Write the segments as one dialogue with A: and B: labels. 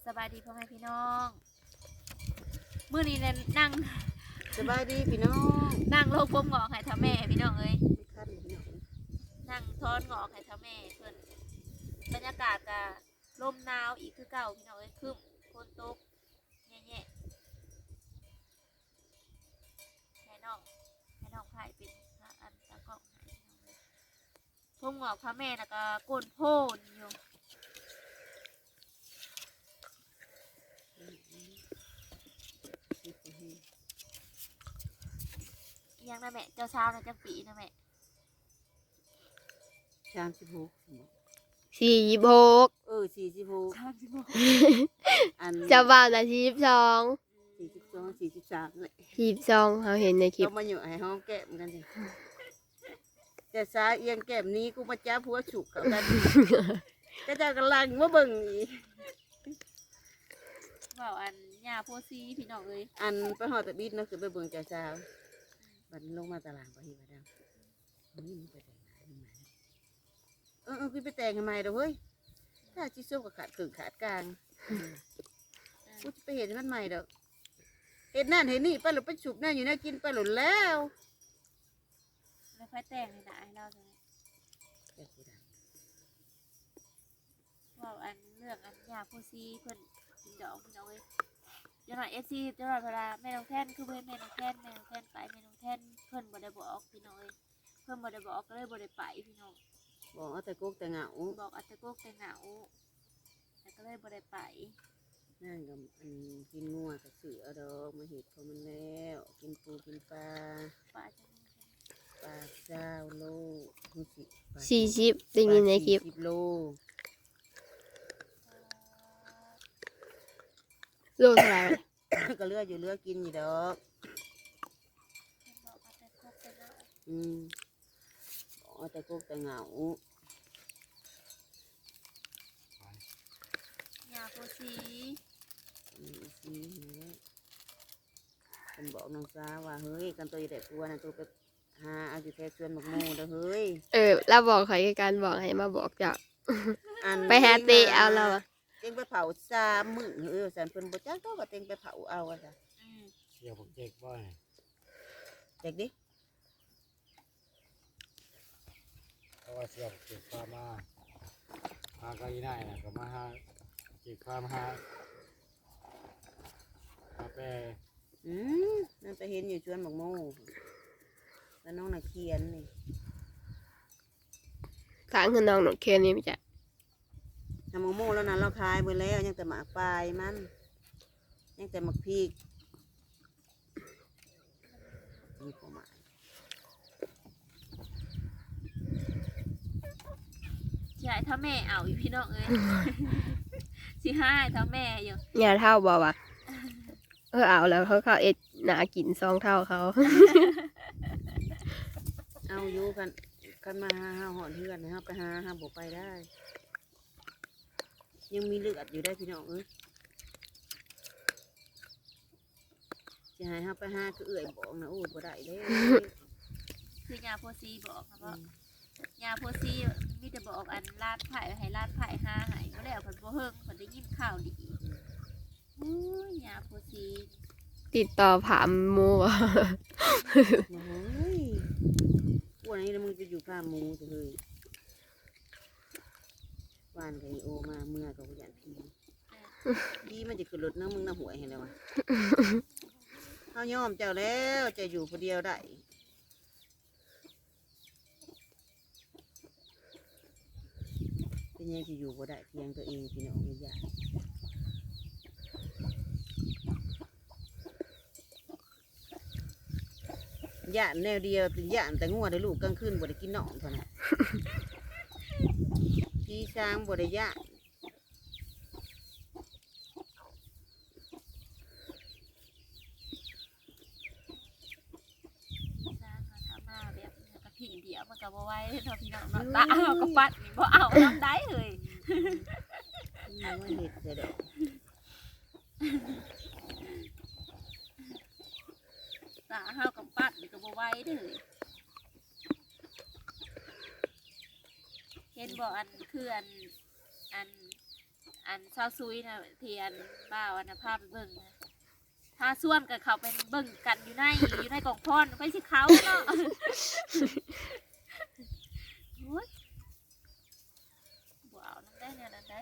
A: สบายดีพ่อแม่พี่น้องมื้อนี้เนี่ยนั่ง
B: สบายดีพี่น้อง
A: นั่งโลกผมงอกให้ท่าแม่พี่น้องเอ้ย
B: ขั้นพี่น้อง
A: นั่งท้อนงอกให้ท่าแม่เพิ่นบรรยากาศก็ลมหนาวอีกคือเก่าพี่น้องเอ้ยครึ้มฝนตกแย่ๆให้น้องไผ่เป็นอันตะกล้องให้พี่น้องเอ้ยผมงอกพ่อแม่แล้วก็ก้นโพนอยู่ยังนะแม่เจ้าสาวนะจังปีนะแม่
B: 36
C: 46
B: 46อัน
C: เจ้าบ่าวน่ะ42
B: 42 43เลย
C: 42เขาเห็นในคลิป
B: เรามาอยู่ให้ห้องแก้มกันสิแต่สาเอียงแก้มนี้กูมาจ้าผัวฉุกเขากันก็จะกำลังมาเบิ่งอีก
A: เว่าอันยาโพซีพี่น้องเอ้ย
B: อันไปหอตะบิดเนาะคือไปเบิ่งเจ้าสาวบัดลงมาตารางบ่เฮ็ดว่าดังนี่ไปแต่งงานมาคือไปแต่งทำไมเด้อเฮ้ยถ้าสิส้มก็ขาดครึ่งขาดกลางกูจะไปเห็นมันใหม่ดอกเห็นนั่นเห็นนี่ไปหลุดไปฉุบนั่นอยู่น่ากินไปหลุดแล้ว
A: แล้วค่อยแต่งให้ได้เราจะเว่าอันเรื่องอันยาโพซีเพิ่นกินดอกพี่น้องเอ้ยจังหน่อยFCจังหน่อยเวลาแม่น้องแท่นคือเพิ่นแม่น้องแท่นไปแม่น้องแท่นเพิ่นบ่ได้บอกพี่น้องเอ้ยเพิ่นบ่ได้บอกก็เลยบ่ได้ไปพี่น้อง
B: บอกเอาแต่กกแต่เหงา
A: บอกอัตตะโกกแต่เหงาแต่ก็เลยบ่ได้ไป
B: นั่นกับอันกินงัวกับเสือดอกมาเห็ดพอมันแล้วกินปูกินปลา
A: ป่าจัง
B: ปลาเจ้าโลหูสิปลา
C: 40ได้ยินในคลิป
B: 40 โล
C: โลเท่าไหร่วะ
B: ก็เลืออยู่เลือกินอยู่ดอก
A: เพิ่นบอกอัตตะโกกแต่เหงา
B: บอกเอาแต่กกแต่เหงาย
A: าโพซี
B: สิเนี่ยเป็นบอกน้องสาวว่าเฮ้ยกันตัวใหญ่ตัวนะตัวไปหาเอาอยู่แค่ชวนหมกโมเด้อเฮ้ย
C: เราบอกเขาคือการบอกให้มาบอกเจ้า
B: อัน
C: ไปหาเตะเอาเราอะ
B: เต็งไปเผา3 มื้อสันเพิ่นบ่จักก็เต็งไปเผาเอาอะจ้ะ
D: เกี่ยวกับเจ๊กบ่อย
B: เด็กดิ
D: เพราะว่าเสี่ยวกับเจ๊กพามาก็อีน่ายนะก็มาหาเจ๊กพามาหาแปร
B: นั่นไปเห็นอยู่ชวนหมกโมแล้วน้องน่ะเขียนนี่
C: ทางคือน้องหนกเคนนี่ไม่ใช่
B: ทำหมกโมแล้วนั้นเราขายไปแล้วยังแต่หมากปลายมันยังแต่หมักพริกนี่ประมาณ
A: สิให้ถ้าแม่เอาอยู่พี่น้องเอ้ย สิให้ถ้าแม่อยู่
C: อย่าเท่าบอกว่าเอาแล้วเขาเอ็ดหนากิน2 เท่าเขา
B: เอาอยู่กันมาหาหอนเพื่อนนะครับไปหาบกไปได้ ยังมีเลือดอยู่ได้พี่น้องเอ้ยจะให้ไปหาคือเอื่อยบอกนะโอ้ยบ่ได้เด้
A: คือยาโพซีบอกนะว่ายาโพซีมีแต่บอกอันลาดไผ่ให้ลาดไผ่หาใหายก็แล้วเพิ่นบ่เฮิงเพิ่นได้ยินข่าวดีโอ้ยยาโพซี
C: ติดต่อผามหมูบ่
B: โอ้ยพวกนี้แล้วมึงจะอยู่ข้ามหมูจะเลยวานกับอีโอมาเมื่อกับผู้ใหญ่พี่มันจะขึ้นรถนะมึงน่ะหวยเห็นแล้ววะเขายอมเจ้าแล้วจะอยู่คนเดียวได้เป็นยังจะอยู่บ่ได้เพียงตัวเองพี่น้องอย่าย่านแนวเดียวเป็นย่านแต่งัวได้ลูกกลางคืนบ่ได้กินหนองเท่านั้นพี่ช้างบ่ได้ย่าน
A: สร้างมาทำมาแบบกระถิ่งเดียวมันก็บ่ไหวเนาะพี่น้องเนาะตาเอาก็ปัดนี่บ่เอาน้ำได้เลย
B: มันว่าเห็ดเสียดอก
A: ตาเฮากับปัดนี่ก็บ่ไหวเด้อเห็นบ่อันคืออันอันซาวซุยนะที่อันบ้าวอันนะพาไปเบิ่งนะถ้าส่วนกับเขาเป็นเบิ่งกันอยู่ในกล่องพรไปสิเขาเนาะโอ้ยบ่เอานั่นได้เนี่ยนั่นได้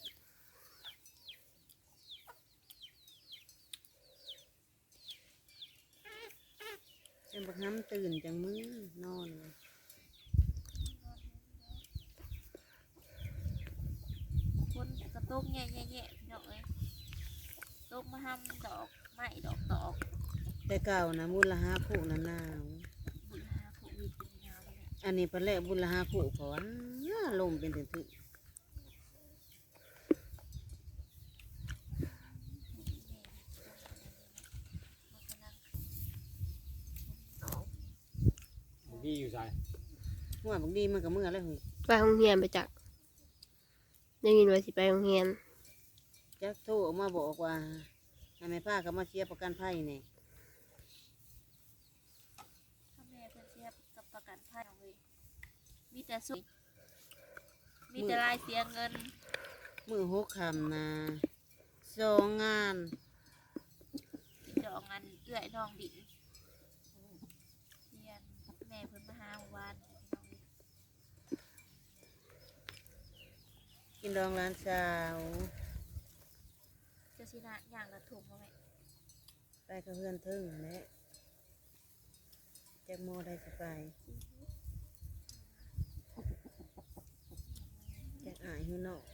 B: เป็นบักน้ำตื่นจังมื้อนอนเลย
A: คนกระตุกแง่พี่น้องเอ้ยตุกมาทำดอกไม้ดอกตอก
B: แต่เก่านะบุญละ5คู่นะหนาว
A: บุญหาผู้มีเป็นยาวเลย
B: อันนี้เพิ่นแลกบุญละ5คู่ก่อนลมเป็นถึง
D: ดีอยู่ใส่
B: หัวบางดีมันก็เมื่อแล้วเฮ้ย
C: ไปโรงเรียนไปจักได้ยินว่าสิไปโรงเรียน
B: จักโทรออกมาบอกว่าให้แม่ป้าก็มาเชียร์ประกันภัยนี่
A: ถ้าแม่เพิ่นเสียกับประกันภัยเอาเว้ยมีแต่สุขมีแต่รายเสียเงิน
B: มื้อ6ค่ำนะ2งาน
A: ดอกอันเอื้อยน้องดินเรียนแม่เพิ่นมาหาเมื่อวานพี่น้องเอ้ย
B: กินดองร้านสาว
A: เจ้าสินะย่างกระถุงบ่แม่
B: ไปกับเพื่อนทึ่งนั่นแหละจักโมได้สิไปจักอายอยู่นอก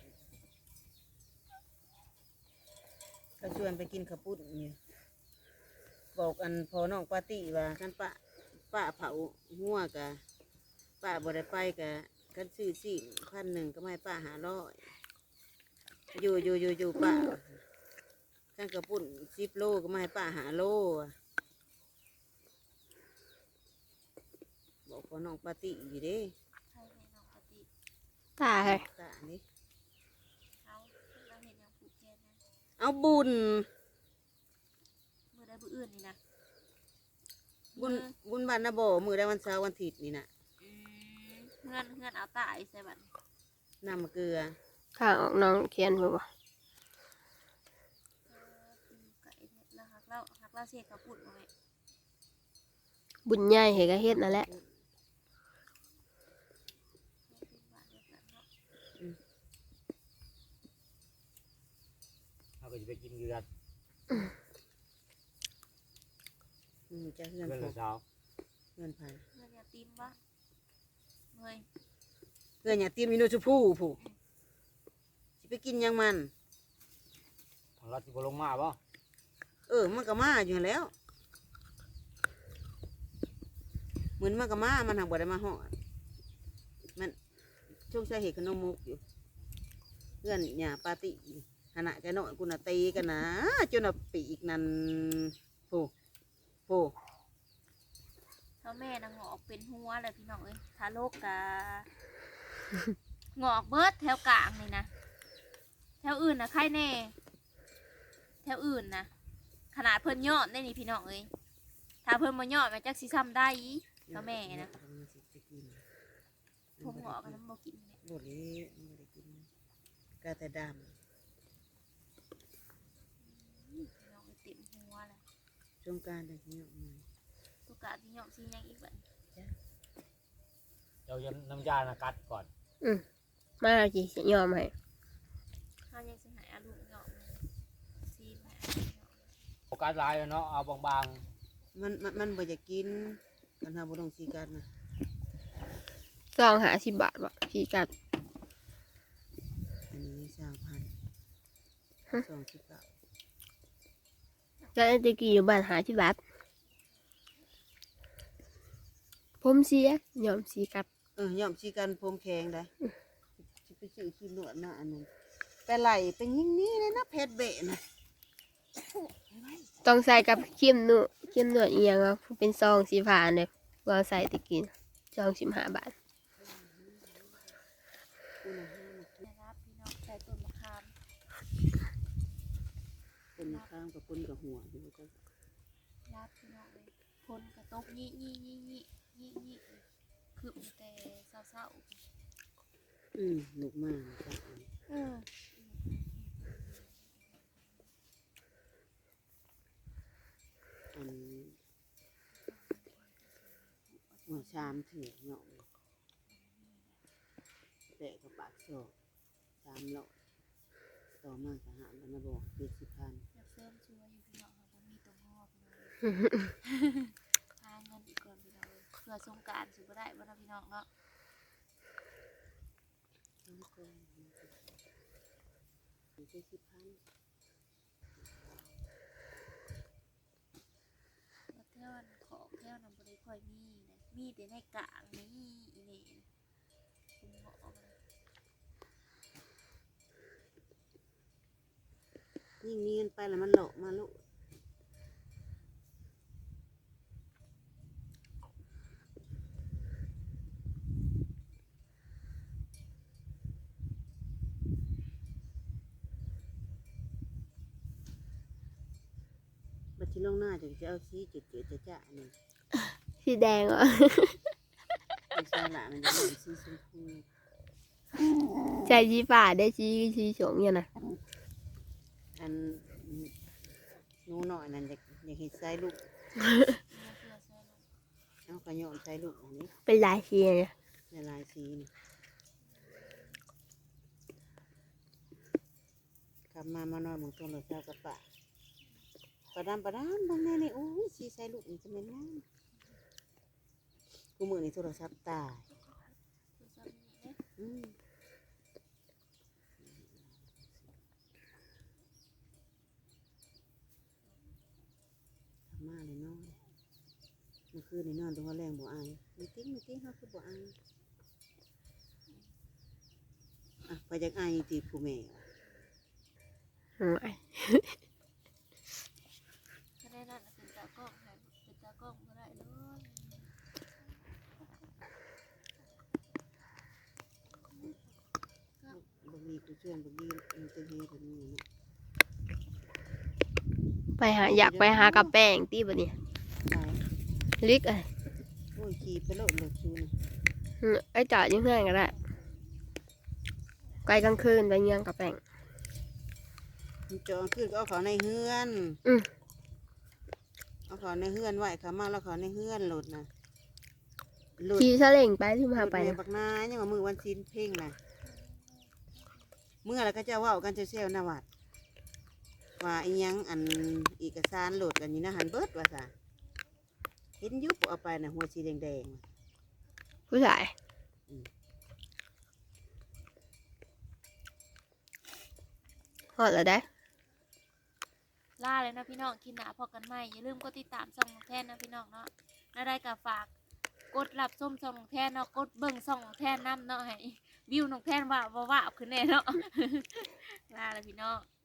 B: ก็ชวนไปกินข้าวปุ้นอยู่บอกอันพอน้องปาร์ตี้ว่าคันป้าเผาหัวกะป้าบ่ได้ไปกะกันซื้อสิ1,000ก็ไม่ป้า500อยู่ป้ากันข้าวปุ้น10 โลก็ไม่ให้ป้า5 โลอะบอกพอน้องปาร์ตี้อยู่เด้
A: ใครแม่น้องปฏิ
C: ตาย
B: ตานี่
A: เขาเราเห็นอย่างผูกแขนนะ
B: เอาบุญ
A: มือได้มืออื่นนี่นะ
B: บุญบ้านนาบ่มือได้วันเสาร์วันอาทิตย์นี่น่ะ
A: เงื่อนเอาตายใส่บัตร
B: น้ำเกลือ
C: ข้างออกน้องเขียนบ่บ่
A: ไก่เนี่ยแล้วหักเล่าเสียกระปุ่นมาไหม
C: บุญใหญ่เฮ็ดก็เฮ็ดนั่นแหละ
D: เขาก็จะไปกินเดือน
B: จะเฮือน
D: เดือน
B: พ
D: ละ
B: ก
D: เช้า
B: เฮือนไผ
A: เงื่อนอย่าตีมวะเงย
B: เฮือนอย่าเตรียมอินโนชูพูผู้สิไปกินหยังมัน
D: ของเราที่บลงมาป่ะ
B: มันก็มาอยู่แล้วเหมือนมันก็มามันหักบ่ได้มาฮอดมันช่วงใช้เห็ดขนมมุกอยู่เพื่อนหญ้าปาร์ตี้ขณะแกน้อยกูน่ะตีกันนะจนน่ะปีกนั่นผู้
A: เท่าแม่นะงอกเป็นหัวเลยพี่น้องเอ้ยทาโลกกะ งอกเบิดแถวกลางเลยนะแถวอื่นนะใครแน่แถวอื่นนะขนาดเพิ่นยอดได้นี่พี่น้องเอ้ยถ้าเพิ่นมายอดมันจักสิซ้ำได้อีเท่าแม่นะผมงอกกันน้ำบ่กินแม่
B: บ่เละมันบ่ได้กินกาแต่ด
A: พี่น้องเอ้ยเต็มหัวเลย
B: ำสงกรารได้ที่ยกมา
A: ตุกกะที่ยอมซียังอีกบัด
D: เราจะน้ำยานะกัดก่อน
C: มาแล้วสิยอมให้
A: ข้ายังสิหายอาลูกยอมเลยซีแม่ยอม
D: โฟกัสลายเนาะเอาบาง
B: มันบ่อยากกินกันทำบ่ต้องสีกันนะ
C: ซอง50 บาทบ่พี่กัด
B: อันนี้3,000 29
C: ก็ตะกี้อยู่บ้าน50 บาทผมเสียยอมสีกัด
B: ย่อมสีกันผมแข็งได้สิไปซื้อขี้หนวดมาอันนั้นไปไหลเป็นยิ่งนี้เลยนะเพชรเบะนะ
C: ต้องใส่กับครีมนวดอีหยังวะเป็นซองสีฟ้าเนี่ยว่าใส่ตะกี้ซอง15 บาท
A: นะครับพี่น้องใส่ต้นมะขาม
B: คนข้างกับคนกับหัวอยู่ก็
A: รับพี่น้องเลยคนกระตกยี่คือมันแต่เศร้า
B: หนุกมากครับ
A: ๆ
B: 3เถื่อเนาะแต่ก็ปากโซ่300ต่อมาก็หาแล้วนะบอก70,000
A: อยากเสริมช่วยอยู่พี่น้องค่ะบ่มีตัวงอกเลยหาเงินอีกก่อนพี่น้องเอ้ยเพื่อสงกรานต์สิบ่ได้บ่เนาะพี่น้องเนาะ
B: 70,000
A: แล้วเท่านั้นของแท่วนั้นบ่ได้ค่อยมีนะมีแต่ในกลางนี่อีนี่คุณหมอมัน
B: ยิ่งมีเงินไปแล้วมันหลอกมาลูกบัดที่ลงหน้าจะเอาสีเจืดๆจ้ะๆนี่
C: สีแดงเหรอ
B: ไม่ใช่ละมันจะเป็นสีชมพู
C: ใจสีฟ้าได้สีสงเนี่ยนะ
B: อันหนูหน่อยนั่นอยากเห็นใส่ลูก
A: เนี่ยเพื่อเสื้อลูก
B: เอากระโยมใส่ลูกอันนี้
C: เป็นลายสีเนี่ย
B: ในลายสีนี่กลับมานอนหมองตรงหลังเท้ากระปะประดามบางแน่นี่โอ้ยสีใส่ลูกนี่จะเป็นน้ำกูมือนี่โทรศัพท์ตาย
A: คือซ้ำนี่เด้
B: อืมทำมาเลยนอนเมื่อคืนนี่นอนตรงหัวแรงบ่อายไม่ติ้งเขาคือบ่อายอ่ะไปจากอายตีผู้แม่
C: อืม
A: ถ้าได้นั่นน่ะเป็นตากล้องค่ะเป็นตากล้องบ่ได้เลย
B: บ่มีกูเชื่อนบ่มีมันจะเฮ็ดแบบนี้เนาะ
C: อยากไปหากับแป้งตีบ่เนี่ย
B: ตาย
C: ลิกอ่ะ
B: โอ้ยขี่ไปโลดเลยซูนะ
C: ไอ้จอดอยังเพื่อนก็ได้ไกลกลางคืนไปเงียงกับแป้ง
B: มันจองขึ้นก็เอาเขาในเฮือน
C: อืม
B: เอาเขาในเฮือนไว้เขามาแล้วเขาในเฮือนโหลดนะโหลด
C: ขี่ซาเล้งไปที่มาไป
B: แม่
C: นะ
B: บักนายังว่ามือวันศีลเพ่งนะเมื่อแล้วก็จะเว่ากันเซลๆนะวัดว่าอีหยังอันเอกสารโหลดกันอยู่นะหันเบิดว่าซะเห็นอยุบเอาไปนะหัวสีแดงๆว่ะ
C: ผู้ชายหอดแล้วได้
A: ล่าเลยนะพี่น้องคิดหนาพอกันใหม่อย่าลืมกดติดตามช่องของแทนนะพี่น้องเนาะน่าได้กับฝากกดรับส้มช่องของแทนเนาะกดเบิ่งช่องของแทนน้ำเนาะให้วิวน้องแทนว่าขึ้นแน่เนาะ ลาเลยพี่น้อง